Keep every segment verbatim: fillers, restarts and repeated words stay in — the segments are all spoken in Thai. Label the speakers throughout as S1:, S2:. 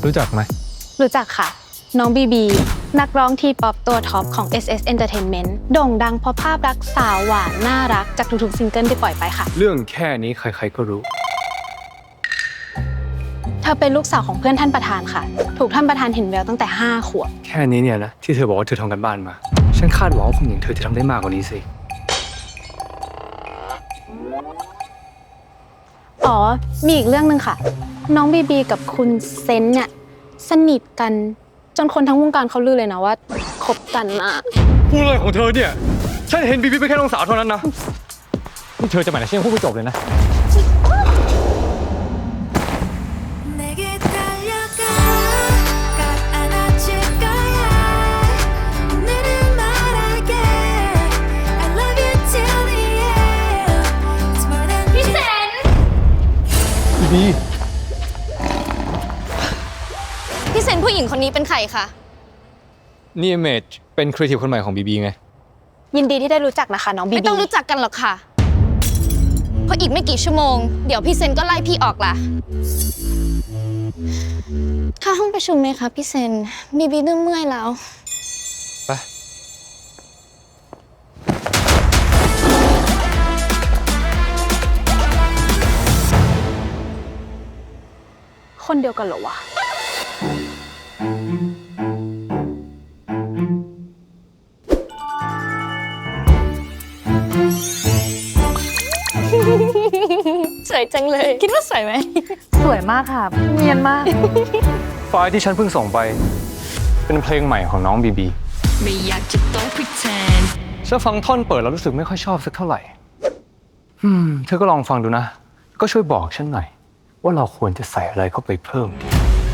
S1: รู้จักไหม
S2: รู้จักค่ะน้องบีบีนักร้องทีป๊อปตัวท็อปของ เอส เอส Entertainment โด่งดังเพราะภาพลักษณ์สาวหวานน่ารักจากทุกๆซิงเกิลที่ปล่อยไปค่ะ
S1: เรื่องแค่นี้ใครๆก็รู้
S2: เธอเป็นลูกสาวของเพื่อนท่านประธานค่ะถูกท่านประธานเห็นแววตั้งแต่ห้าขวบ
S1: แค่นี้เนี่ยนะที่เธอบอกว่าเธอทำกันบ้านมาฉันคาดหวังว่าคนอย่างเธอจะทำได้มากกว่านี้สิ
S2: อ๋อมีอีกเรื่องหนึ่งค่ะน้องบีบีกับคุณเซนเนี่ยสนิทกันจนคนทั้งวงการเขาลือเลยนะว่าคบกันนะ
S1: พูดอะไรของเธอเนี่ยฉันเห็นบีบีเป็นแค่น้องสาวเท่านั้นนะนี่เธอจะหมายถึงฉันยังพูดไม่จบเลยนะบีบี
S3: พี่เซนผู้หญิงคนนี้เป็นใครคะ
S1: นี่เมจเป็นครีเอทีฟคนใหม่ของบีบีไง
S2: ยินดีที่ได้รู้จักนะคะน้องบีบี
S3: ไม่ต้องรู้จักกันหรอกค่ะเพราะอีกไม่กี่ชั่วโมงเดี๋ยวพี่เซนก็ไล่พี่ออกละเข้าห้องประชุมไหมคะพี่เซนบีบีเริ่มเมื่อยแล้ว
S1: ไป
S2: คนเดียวกันเหรอวะ
S3: สวยจังเลยคิดว่าสวยไหม
S4: สวยมากค่ะเนียนมาก
S1: ไฟล์ที่ฉันเพิ่งส่งไปเป็นเพลงใหม่ของน้องบีบี
S5: ไม่อยากจะต้อง pretend
S1: ฉันฟังท่อนเปิดแล้วรู้สึกไม่ค่อยชอบสักเท่าไหร่อืมเธอก็ลองฟังดูนะก็ช่วยบอกฉันหน่อยว่าเราควรจะใส่อะไรเข้าไปเพิ่มดี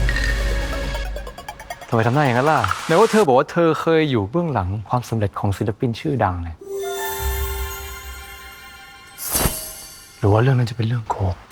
S1: ทำไมทำหน้าอย่างนั้นล่ะไหนว่าเธอบอกว่าเธอเคยอยู่เบื้องหลังความสำเร็จของศิลปินชื่อดังเนี่ยหรือว่าเรื่องนั้นจะเป็นเรื่องโกหก